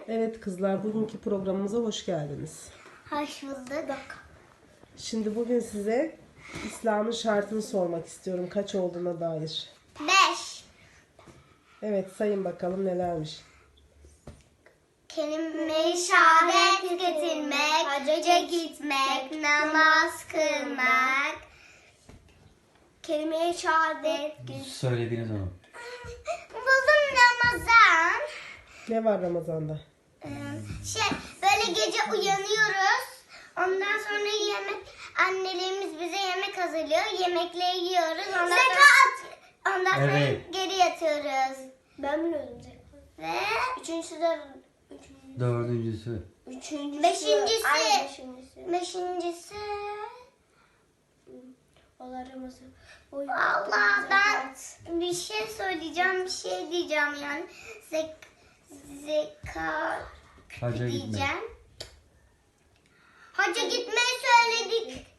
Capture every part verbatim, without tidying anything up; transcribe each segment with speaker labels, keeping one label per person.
Speaker 1: Evet kızlar, bugünkü programımıza hoş geldiniz.
Speaker 2: Hoş bulduk.
Speaker 1: Şimdi bugün size İslam'ın şartını sormak istiyorum. Kaç olduğuna dair.
Speaker 2: Beş.
Speaker 1: Evet, sayın bakalım nelermiş.
Speaker 2: Kelime-i şehadet getirmek, hacca gitmek, namaz kılmak. Kelime-i şehadet
Speaker 3: Söylediniz onu.
Speaker 2: buldum Ramazan.
Speaker 1: Ne var Ramazan'da?
Speaker 2: Ee, Şey böyle gece uyanıyoruz. Ondan sonra yemek annelerimiz bize yemek hazırlıyor. Yemekleri yiyoruz. Ondan zekat. Sonra, ondan sonra
Speaker 3: Evet.
Speaker 2: geri yatıyoruz. Ben biliyordum zekat. Ve üçüncüsü de üçüncüsü.
Speaker 3: Dördüncüsü.
Speaker 2: Üçüncüsü. Beşincisi. Ay, beşincisi. Beşincisi. Allah Ramazan. Allah ben bir şey söyleyeceğim, bir şey diyeceğim yani. Zek zekat
Speaker 3: Hacca gitmek.
Speaker 2: diyeceğim. Hacca gitmeyi söyledik.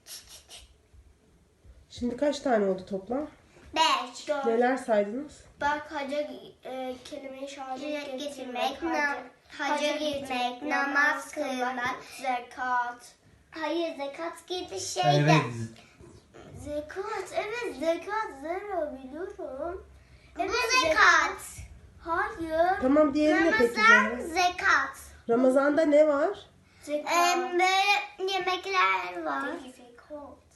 Speaker 1: Şimdi kaç tane oldu toplam?
Speaker 2: Beş.
Speaker 1: Neler saydınız?
Speaker 4: Bak hacca e, kelime-i şehadet
Speaker 2: Getirmek,
Speaker 4: getirmek,
Speaker 2: nam- hacca gitmek, namaz kılmak.
Speaker 4: zekat.
Speaker 2: Hayır zekat gibi şey de.
Speaker 3: Evet.
Speaker 4: Zekat, evet zekat zero biliyorum.
Speaker 2: Bu zekat.
Speaker 4: Hayır.
Speaker 1: Tamam, diğeri ne peki?
Speaker 2: Ramazan
Speaker 1: Zehra?
Speaker 2: zekat.
Speaker 1: Ramazan'da ne var?
Speaker 4: Zekat.
Speaker 2: Ee, böyle yemekler var.
Speaker 4: Zekat.